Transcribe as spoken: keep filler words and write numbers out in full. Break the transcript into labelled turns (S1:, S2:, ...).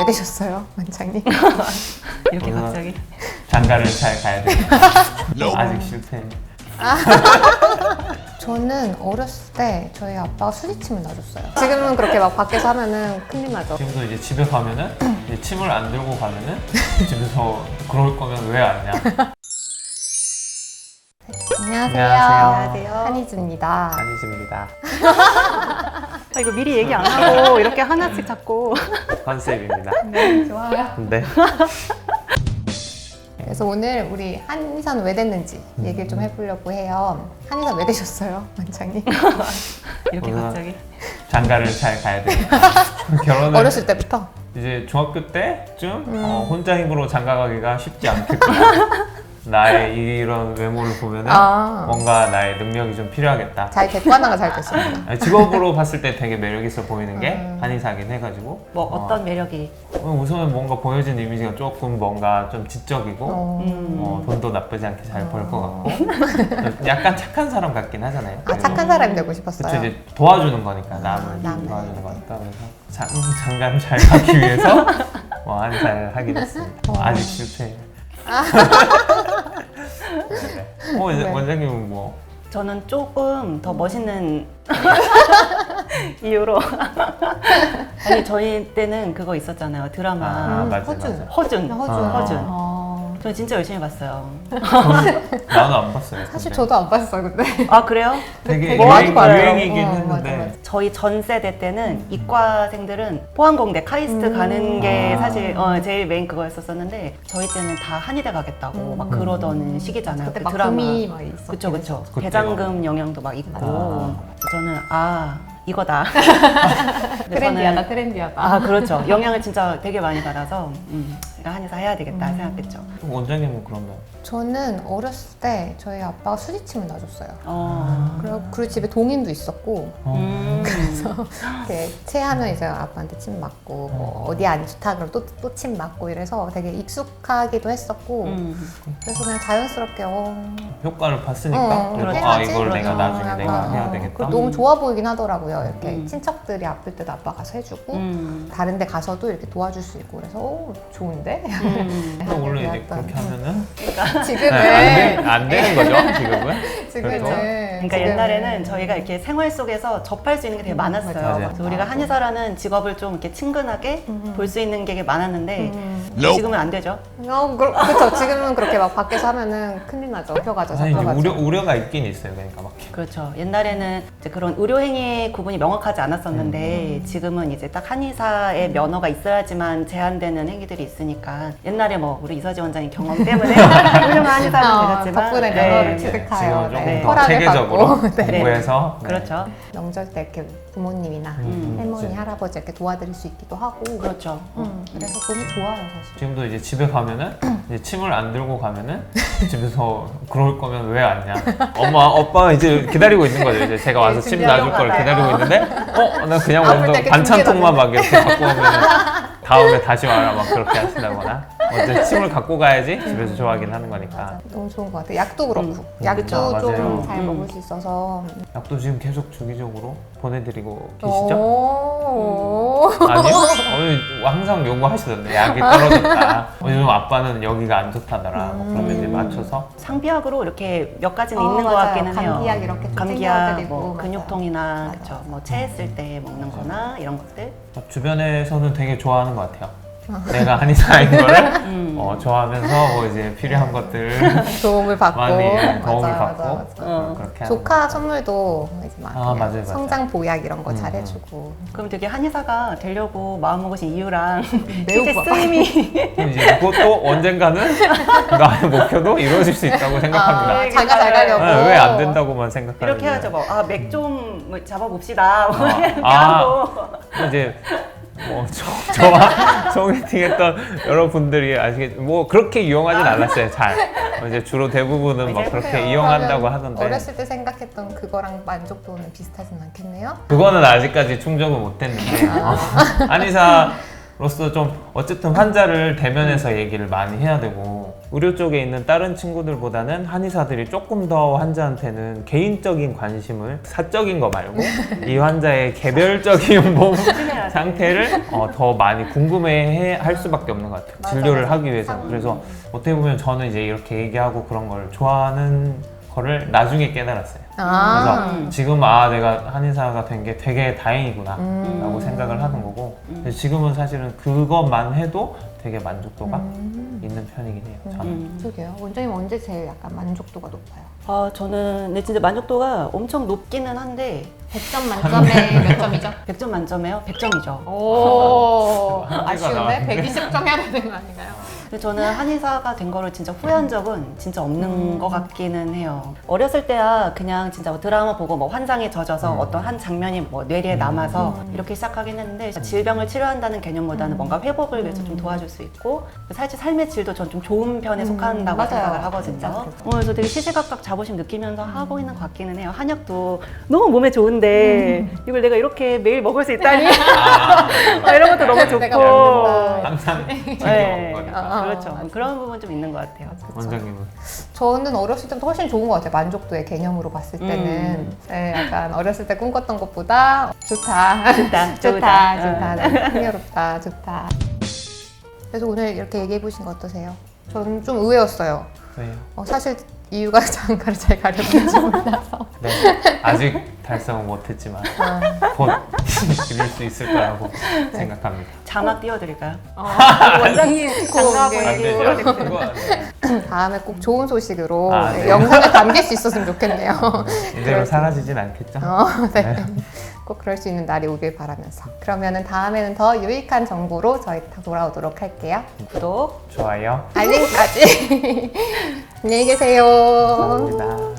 S1: 왜 되셨어요, 원장님?
S2: 이렇게 갑자기
S3: 장가를 잘 가야 돼. 아직 실패.
S1: 저는 어렸을 때 저희 아빠가 수지침을 놔줬어요. 지금은 그렇게 막 밖에서 하면은 큰일 나죠.
S3: 지금도 이제 집에 가면은 이제 침을 안 들고 가면은 집에서 그럴 거면 왜 왔냐.
S1: 안녕하세요.
S3: 안녕하세요.
S1: 한희주입니다.
S3: 한희주입니다.
S2: 아, 이거 미리 얘기 안 하고 이렇게 하나씩 잡고
S3: 컨셉입니다.
S1: 네, 좋아요.
S3: 네.
S1: 그래서 오늘 우리 한의사는 왜 됐는지 얘기를 좀 해보려고 해요. 한의사 왜 되셨어요, 원장님?
S2: 이렇게
S3: 오늘
S2: 갑자기
S3: 장가를 잘 가야 돼. 결혼을
S1: 어렸을 때부터?
S3: 이제 중학교 때쯤
S1: 음.
S3: 어, 혼자 힘으로 장가 가기가 쉽지 않겠고 나의 이런 외모를 보면은
S1: 아.
S3: 뭔가 나의 능력이 좀 필요하겠다.
S1: 잘 객관화가 잘 됐습니다.
S3: 아니, 직업으로 봤을 때 되게 매력 있어 보이는 게
S1: 음.
S3: 한의사긴 해가지고
S2: 뭐 어떤 매력이
S3: 어, 우선은 뭔가 보여진 이미지가 조금 뭔가 좀 지적이고
S1: 어.
S2: 음.
S3: 어, 돈도 나쁘지 않게 잘 벌 것 같고 약간 착한 사람 같긴 하잖아요.
S1: 아, 착한 사람이 되고 싶었어요.
S3: 그쵸, 이제 도와주는 거니까 남을
S1: 아, 남을.
S3: 도와주는 거니까 그래서 장, 장가를 잘 가기 위해서 뭐 한의사를 하게 됐습니다.
S1: 어.
S3: 아직 실패. 네. 어, 이제
S1: 네.
S3: 원장님은 뭐
S2: 저는 조금 더 멋있는 이유로 아니 저희 때는 그거 있었잖아요 드라마
S3: 아, 맞아,
S1: 허준.
S3: 맞아.
S2: 허준
S1: 허준.
S3: 아.
S2: 허준
S1: 어.
S2: 저 진짜 열심히 봤어요.
S3: 나는 안 봤어요.
S1: 사실
S3: 근데.
S1: 저도 안 봤어요, 근데.
S2: 아 그래요?
S3: 되게
S1: 되게 많이
S3: 유행,
S1: 봐요.
S3: 유행이긴
S1: 어,
S3: 했는데
S1: 맞아, 맞아.
S2: 저희 전 세대 때는 이과생들은 포항공대 카이스트
S1: 음.
S2: 가는 게
S3: 아.
S2: 사실 어, 제일 메인 그거였었었는데 저희 때는 다 한의대 가겠다고
S1: 음.
S2: 막 그러던 시기잖아요.
S1: 그때
S2: 그
S1: 막
S2: 드라마.
S1: 붐이 막 있었죠.
S2: 그쵸 그쵸.
S3: 그때가.
S2: 대장금 영향도 막 있고
S3: 아.
S2: 저는 아 이거다. 근데
S1: 트렌디하다,
S2: 저는-
S1: 트렌디하다.
S2: 아 그렇죠. 영향을 진짜 되게 많이 받아서 음, 내가 한의사 해야 되겠다
S1: 음.
S2: 생각했죠.
S3: 원장님은 그러면
S1: 저는 어렸을 때 저희 아빠가 수지침을 놔줬어요.
S2: 어.
S1: 그리고, 그리고 집에 동인도 있었고,
S3: 어.
S2: 음.
S1: 이렇게 체하면 이제 아빠한테 침 맞고, 뭐 어디 안 좋다 그러면 또, 또 침 맞고 이래서 되게 익숙하기도 했었고,
S2: 음.
S1: 그래서 그냥 자연스럽게, 어,
S3: 효과를 봤으니까
S1: 어,
S3: 그래서
S2: 그렇죠.
S3: 아
S1: 해야지.
S3: 이걸 내가
S2: 그렇죠.
S3: 나중에
S1: 약간,
S3: 내가 해야
S1: 어,
S3: 되겠다.
S1: 그리고 너무 좋아 보이긴 하더라고요. 이렇게
S2: 음.
S1: 친척들이 아플 때도 아빠 가서 해주고,
S2: 음.
S1: 다른 데 가서도 이렇게 도와줄 수 있고, 그래서, 오, 좋은데?
S2: 음.
S3: 근데 원래 이제
S1: 약간,
S3: 그렇게 하면은
S1: 지금은,
S3: 네, 안, 되, 안 되는 거죠 지금은.
S1: 지금은.
S3: 그렇죠?
S2: 그러니까
S1: 지금은
S2: 옛날에는 저희가 이렇게 생활 속에서 접할 수 있는 게 되게 많았어요.
S3: 맞아요.
S2: 그래서 우리가 한의사라는 직업을 좀 이렇게 친근하게
S1: 음.
S2: 볼 수 있는 게 많았는데
S1: 음.
S2: 지금은 안 되죠.
S1: 어, 그, 그쵸. 지금은 그렇게 막 밖에서 하면은 큰일 나죠. 잡혀가죠,
S3: 사실 이제
S1: 잡혀가죠.
S3: 우려 우려가 있긴 있어요. 그러니까 막
S2: 그렇죠. 옛날에는 이제 그런 의료 행위 구분이 명확하지 않았었는데 지금은 이제 딱 한의사의 면허가 있어야지만 제한되는 행위들이 있으니까 옛날에 뭐 우리 이서지 원장님 경험 때문에 훌륭한 한의사가
S1: 어,
S2: 되셨지만
S1: 덕분에
S2: 네,
S1: 면허를
S2: 네.
S1: 취득하여
S3: 지금 조금
S1: 네,
S3: 더
S1: 허락을
S3: 체계적으로
S1: 받고, 네.
S3: 공부해서 네.
S2: 그렇죠.
S1: 명절 때 이렇게 부모님이나
S3: 음,
S1: 할머니,
S3: 그치.
S1: 할아버지 이렇게 도와드릴 수 있기도 하고
S2: 그렇죠.
S1: 음, 그래서 너무 좋아요, 사실.
S3: 지금도 이제 집에 가면은 이제 침을 안 들고 가면은 집에서 그럴 거면 왜 왔냐. 엄마, 오빠 이제 기다리고 있는 거죠. 이제 제가 와서
S1: 네,
S3: 침
S1: 준비하려고
S3: 놔줄 걸
S1: 하다가.
S3: 기다리고 있는데, 어, 나 그냥
S1: 아플 때
S3: 먼저
S1: 이렇게
S3: 반찬통만 막 이렇게 갖고 오면 다음에 다시 와라 막 그렇게 하신다거나. 어제 침을 갖고 가야지 집에서 좋아하긴 하는 거니까.
S1: 맞아. 너무 좋은 것 같아요. 약도 그렇고.
S2: 음,
S1: 약도
S3: 그쵸,
S1: 좀
S3: 맞아요.
S1: 잘
S2: 음.
S1: 먹을 수 있어서.
S3: 약도 지금 계속 주기적으로 보내드리고 계시죠?
S1: 오.
S3: 아니요? 오늘 항상 요구하시던데 약이 떨어졌다. 어, 요즘 아빠는 여기가 안 좋다더라. 뭐 그러면 이제 맞춰서
S2: 상비약으로 이렇게 몇 가지는
S1: 어,
S2: 있는 것
S1: 맞아요.
S2: 같기는 해요.
S1: 감기약 이렇게 좀
S2: 감기약,
S1: 챙겨드리고,
S2: 뭐
S1: 맞아요.
S2: 근육통이나
S1: 맞아요.
S2: 그쵸, 뭐 체했을 때 먹는 거나 이런 것들.
S3: 주변에서는 되게 좋아하는 것 같아요. 내가 한의사인 거를
S2: 음.
S3: 어, 좋아하면서 뭐 이제 필요한 것들
S1: 도움을 받고.
S3: 많이 예, 도움을
S1: 맞아,
S3: 받고
S1: 맞아, 맞아.
S2: 어.
S3: 그렇게 하는
S1: 조카 선물도 이제 막
S3: 아,
S1: 그냥
S3: 맞아요, 맞아요.
S1: 성장 보약 이런 거
S3: 음,
S1: 잘해주고.
S2: 그럼 되게 한의사가 되려고 마음먹으신 이유랑
S1: 매우
S2: 실제
S1: 바-
S2: 쓰임이
S3: 그럼 이제 그것도 언젠가는 나의 목표도 이루어질 수 있다고 생각합니다.
S1: 아, 장가 잘 가려고.
S3: 왜 안 된다고만 생각하는
S2: 이렇게 해야죠. 뭐, 아, 맥 좀 잡아봅시다. 뭐 이렇게
S3: 아.
S2: 하고.
S3: 이제 뭐 저, 저와 소개팅했던 여러분들이 아시겠 뭐 그렇게 이용하진 않았어요. 잘 어, 이제 주로 대부분은 뭐
S2: 이제
S3: 그렇게
S1: 그래요.
S3: 이용한다고
S1: 그러면
S3: 하던데
S1: 어렸을 때 생각했던 그거랑 만족도는 비슷하진 않겠네요?
S3: 그거는 아직까지 충족을 못했는데 어, 한의사 로서 좀 어쨌든 환자를 대면해서 얘기를 많이 해야 되고 의료 쪽에 있는 다른 친구들보다는 한의사들이 조금 더 환자한테는 개인적인 관심을 사적인 거 말고 이 환자의 개별적인 몸
S2: 조심해야 돼.
S3: 상태를 어, 더 많이 궁금해 할 수밖에 없는 것 같아요.
S1: 맞아,
S3: 진료를
S1: 맞아.
S3: 하기 위해서.
S1: 상-
S3: 그래서 어떻게 보면 저는 이제 이렇게 얘기하고 그런 걸 좋아하는 거를 나중에 깨달았어요.
S1: 아.
S3: 그래서 지금 아 내가 한의사가 된 게 되게 다행이구나
S1: 음.
S3: 라고 생각을 하는 거고 그래서 지금은 사실은 그것만 해도 되게 만족도가
S1: 음.
S3: 있는 편이긴 해요. 저는.
S2: 음.
S1: 그러게요. 원장님 언제 제일 약간 만족도가 높아요?
S2: 아, 저는 근데 진짜 만족도가 엄청 높기는 한데
S1: 백 점 만점에 몇 점이죠?
S2: 백 점 만점에요? 백 점이죠.
S1: 오,
S3: 한계가
S1: 아쉬운데?
S3: 나왔는데.
S1: 백이십 점 해야 되는 거 아닌가요?
S2: 근데 저는 한의사가 된 거를 진짜 후회한 적은 진짜 없는
S1: 음.
S2: 것 같기는 해요. 어렸을 때야 그냥 진짜 뭐 드라마 보고 뭐 환상에 젖어서
S3: 음.
S2: 어떤 한 장면이 뭐 뇌리에 남아서 이렇게 시작하긴 했는데 질병을 치료한다는 개념보다는 뭔가 회복을 위해서 좀 도와줄 수 있고 사실 삶의 질도 전 좀 좋은 편에
S1: 음,
S2: 속한다고
S1: 맞아요.
S2: 생각을
S1: 진짜
S2: 하거든요.
S1: 그래서.
S2: 어, 그래서 되게 시시각각 자부심 느끼면서 하고 있는 것 같기는 해요. 한약도 너무 몸에 좋은데 이걸 내가 이렇게 매일 먹을 수 있다니 아, 이런 것도 너무 좋고
S1: 내가 먹는다.
S3: 항상 챙겨
S2: 네.
S3: 먹는 거니까.
S1: 아,
S2: 그렇죠.
S1: 맞아.
S2: 그런 부분 좀 있는 것 같아요.
S3: 원장님은
S1: 저는 어렸을 때부터 훨씬 좋은 것 같아요. 만족도의 개념으로 봤을 때는.
S2: 음.
S1: 네, 약간 어렸을 때 꿈꿨던 것보다 좋다.
S2: 좋다,
S1: 좋다,
S2: 좋다.
S1: 좋다.
S2: 응.
S1: 네, 흥미롭다, 좋다. 그래서 오늘 이렇게 얘기해 보신 거 어떠세요? 저는 좀 의외였어요.
S3: 왜요?
S1: 어, 사실 이유가 장가를 잘 가려는지 몰라서.
S3: 네. 아직 달성은 못했지만
S1: 아,
S3: 곧 이룰 수 있을 거라고 생각합니다.
S2: 자막 띄워드릴까요?
S1: 어,
S2: 원장님 장가하고
S1: 네.
S3: 안
S2: 얘기
S3: 되죠.
S2: 프로젝트.
S3: 그거 안 돼요.
S1: 다음에 꼭 좋은 소식으로
S3: 아,
S1: 네,
S3: 네.
S1: 영상에 담길 수 있었으면 좋겠네요.
S3: 이대로 사라지진 않겠죠?
S1: 어, 네.
S3: 네.
S1: 꼭 그럴 수 있는 날이 오길 바라면서. 그러면은 다음에는 더 유익한 정보로 저희 다 돌아오도록 할게요.
S2: 구독
S3: 좋아요.
S1: 알림까지. 안녕히 계세요.
S3: 감사합니다.